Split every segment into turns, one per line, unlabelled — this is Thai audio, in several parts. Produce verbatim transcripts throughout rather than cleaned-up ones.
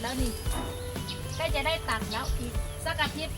แล้วนี่ใกล้จะได้ตัดแล้วอีกสักอาทิตย์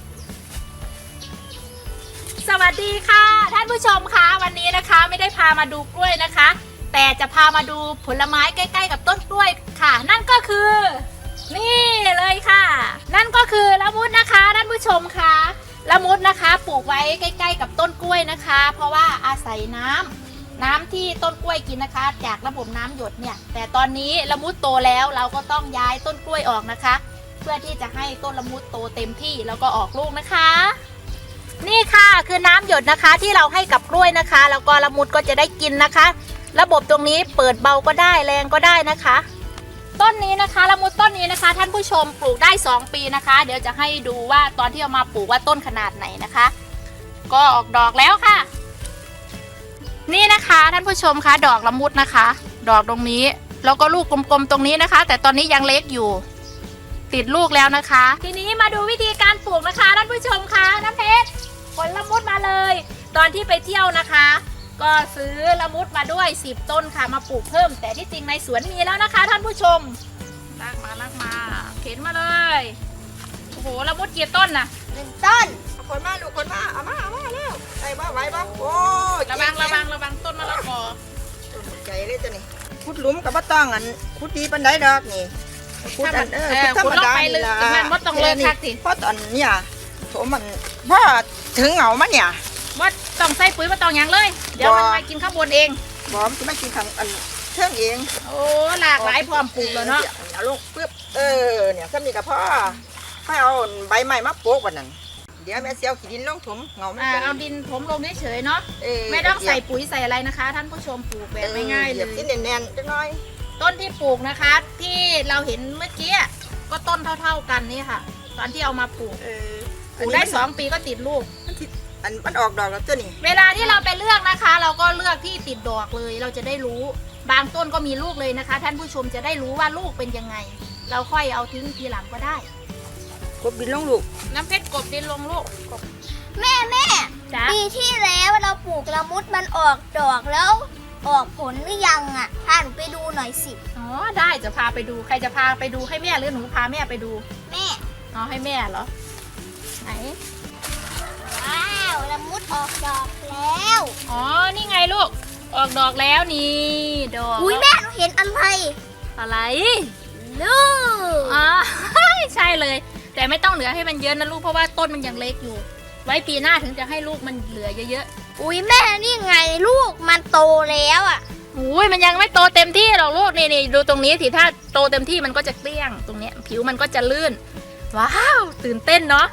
สวัสดีค่ะท่านผู้ชมคะวันนี้นะคะไม่ได้พามาดูกล้วยนะคะแต่จะพามาดูผลไม้ใกล้ๆกับต้นกล้วยค่ะนั่นก็คือนี่เลยค่ะนั่นก็คือละมุดนะคะท่านผู้ชมคะละมุดนะคะปลูกไว้ใกล้ๆกับต้นกล้วยนะคะ เพราะว่าอาศัยน้ำน้ำที่ต้นกล้วยกินนะคะจากระบบน้ำหยดเนี่ยแต่ตอนนี้ละมุดโตแล้วเราก็ต้องย้ายต้นกล้วยออกนะคะ เพื่อที่จะให้ต้นละมุดโตเต็มที่แล้วก็ออกลูกนะคะนี่ค่ะคือน้ำหยดนะคะที่เราให้กับกล้วยนะคะแล้วก็ละมุดก็จะได้กินนะคะระบบตรงนี้เปิดเบาก็ได้แรงก็ได้นะคะต้นนี้นะคะละมุดต้นนี้นะคะท่านผู้ชมปลูกได้สองปีนะคะเดี๋ยวจะให้ดูว่าตอนที่เอามาปลูกว่าต้นขนาดไหนนะคะก็ออกดอกแล้วค่ะนี่นะคะท่านผู้ชมคะดอกละมุดนะคะดอกตรงนี้แล้วก็ลูกกลมๆตรงนี้นะคะแต่ตอนนี้ยังเล็กอยู่ติดลูกแล้วนะคะทีนี้มาดูวิธีการปลูกนะคะท่านผู้ชมคะน้ำเพชรผลละมุดมาเลยตอนที่ไปเที่ยวนะคะก็ซื้อละมุดมาด้วยสิบต้นค่ะมาปลูกเพิ่มแต่ที่จริงในสวนมีแล้วนะคะท่านผู้ชมลากมาลากมาเข็นมาเลยโอ้โหละมุดกี่ต้นน่ะ
หนึ่งต้น
คนมาลูกคนมาเอามาเอามาแล้วไอ้บ้าไว้บ้าโอ้
ระวังระวังระวังต้นมะละกอ
ใจเลยจ้ะนี่ขุดหลุมกับบ้าต้องอันขุดดีปันไดดอกนี่ขุดอันเออขุดธรรมดานี่ละ
มันมดต้องเลิกคักสิ
เพราะตอนเนี่ยโถมันว่าถึงเหงามันเนี่ย
ว่าต้องใส่ปุ๋ยมาต้องอย่างเลยเดี๋ยวมันมากินข้าวบนเอง
บอมจะไม่กินทางอันเชื่องเอง
โอ้หลากหลายพร้อมปลูกแล้วเนาะ
เอาลูกปึ๊บเออเนี่ยซ้ำนี่กับพ่อให้เอาใบไม้มาโปกวันนั้นเดี๋ยวแม่เสียวขี้ดินลงถมเงาไม่
เอาดินถมลงเฉยๆเนาะไม่ต้องใส่ปุ๋ยใส่อะไรนะคะท่านผู้ชมปลูกแบบง่ายๆเลย
ที่แน่นๆจังน้อย
ต้นที่ปลูกนะคะที่เราเห็นเมื่อกี้ก็ต้นเท่าๆกันนี่ค่ะตอนที่เอามาปลูกปลูกได้สองปีก็ติดลูก
อันมันออกดอกแล้วตัวนี้
เวลาที่เราไปเลือกนะคะ เราก็เลือกที่ติดดอกเลยเราจะได้รู้บางต้นก็มีลูกเลยนะคะท่านผู้ชมจะได้รู้ว่าลูกเป็นยังไงเราค่อยเอาทิ้งทีหลังก็ได้
กบดินลงลูก
น้ำเพชรกบดินลงลูก
แม่แม่ปีที่แล้วเราปลูกละมุดมันออกดอกแล้วออกผลหรือยังอ่ะพาหนูไปดูหน่อยสิ
อ๋อได้จะพาไปดูใครจะพาไปดูให้แม่หรือหนูพาแม่ไปดู
แม่
อ๋อให้แม่เหรอไหน
ว้าวละมุดออกดอกแล้ว
อ๋อนี่ไงลูกออกดอกแล้วนี่ดอก
อุ้ยแม่หนูเห็นอะไร
อะไร
ลูก
อ๋อใช่เลยแต่ไม่ต้องเหลือให้มันเยอะนะลูกเพราะว่าต้นมันยังเล็กอยู่ไว้ปีหน้าถึงจะให้ลูกมันเหลือเยอะ
ๆอุ้ยแม่นี่ไงลูกมันโตแล้วอ่ะ
อุ้ยมันยังไม่โตเต็มที่หรอกลูกนี่นี่ดูตรงนี้สิถ้าโตเต็มที่มันก็จะเกลี้ยงตรงเนี้ยผิวมันก็จะลื่นว้าวตื่นเต้นเนาะ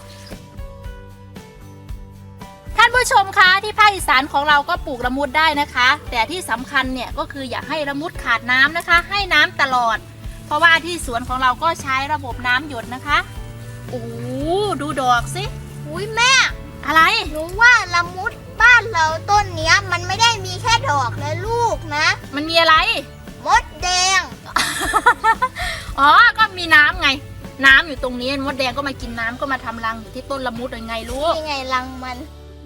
ท่านผู้ชมคะที่ภาคอีสานของเราก็ปลูกละมุดได้นะคะแต่ที่สำคัญเนี่ยก็คืออย่าให้ละมุดขาดน้ำนะคะให้น้ำตลอดเพราะว่าที่สวนของเราก็ใช้ระบบน้ำหยดนะคะโอ้ดูดอกสิ
อุ้ยแม่
อะไร
หนูว่าละมุดบ้านเราต้นเนี้ยมันไม่ได้มีแค่ดอกและลูกนะ
มันมีอะไร
มดแดง
อ๋อก็มีน้ำไงน้ำอยู่ตรงนี้มดแดงก็มากินน้ำก็มาทำรังอยู่ที่ต้นละมุดยังไงลูก
ยังไงรังมัน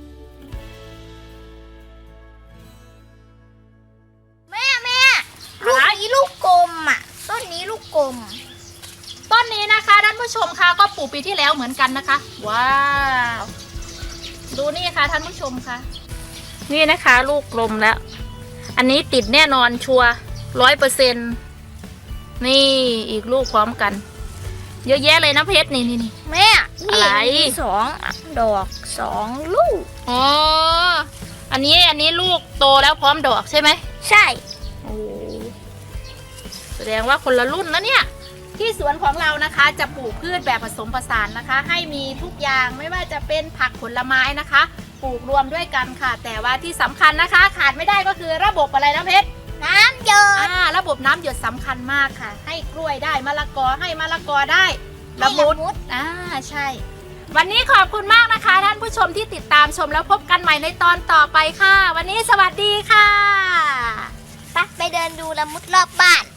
แม่แม่ลูกนี้ลูกกลมอ่ะต้นนี้ลูกกลม
ต้นนี้นะคะท่านผู้ชมคะก็ปลูกปีที่แล้วเหมือนกันนะคะว้าวดูนี่ค่ะท่านผู้ชมค่ะนี่นะคะลูกกลมแล้วอันนี้ติดแน่นอนชัวร์ร้อยเปอร์เซ็นต์นี่อีกลูกพร้อมกันเยอะแยะเลยนะเพชรนี่นี่นี่
แม่
อะไร
สองดอกสองลูก
อ๋ออันนี้อันนี้ลูกโตแล้วพร้อมดอกใช่ไหม
ใช่
โอ้แสดงว่าคนละรุ่นนะเนี่ยที่สวนของเรานะคะจะปลูกพืชแบบผสมผสานนะคะให้มีทุกอย่างไม่ว่าจะเป็นผักผลไม้นะคะปลูกรวมด้วยกันค่ะแต่ว่าที่สำคัญนะคะขาดไม่ได้ก็คือระบบอะไรนะเพชร
น้ำหยด
อ่าระบบน้ำหยดสำคัญมากค่ะให้กล้วยได้มะละกอให้มะละกอได้ละมุดอ่าใช่วันนี้ขอบคุณมากนะคะท่านผู้ชมที่ติดตามชมแล้วพบกันใหม่ในตอนต่อไปค่ะวันนี้สวัสดีค่ะ
ไปไปเดินดูละมุดรอบบ้าน